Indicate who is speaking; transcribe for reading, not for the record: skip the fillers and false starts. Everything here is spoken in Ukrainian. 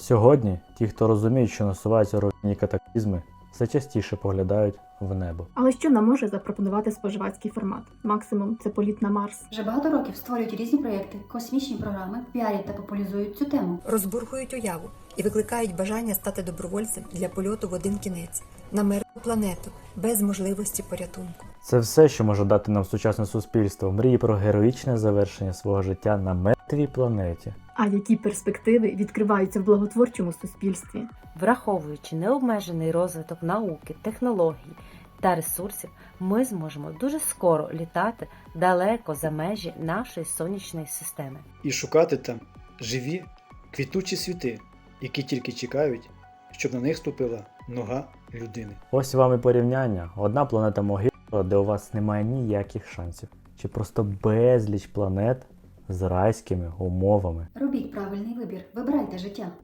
Speaker 1: Сьогодні ті, хто розуміють, що насуваються руйнівні катаклізми, все частіше поглядають в небо.
Speaker 2: Але що нам може запропонувати споживацький формат? Максимум – це політ на Марс.
Speaker 3: Вже багато років створюють різні проєкти, космічні програми, піарять та популяризують цю тему.
Speaker 4: Розбурхують уяву і викликають бажання стати добровольцем для польоту в один кінець на мертву планету без можливості порятунку.
Speaker 1: Це все, що може дати нам сучасне суспільство, мрії про героїчне завершення свого життя на мертвій планеті.
Speaker 2: А які перспективи відкриваються в благотворчому суспільстві?
Speaker 5: Враховуючи необмежений розвиток науки, технологій та ресурсів, ми зможемо дуже скоро літати далеко за межі нашої сонячної системи.
Speaker 6: І шукати там живі, квітучі світи, які тільки чекають, щоб на них ступила нога людини.
Speaker 1: Ось вам і порівняння. Одна планета могила, де у вас немає ніяких шансів. Чи просто безліч планет з райськими умовами.
Speaker 3: Робіть правильний вибір, вибирайте життя.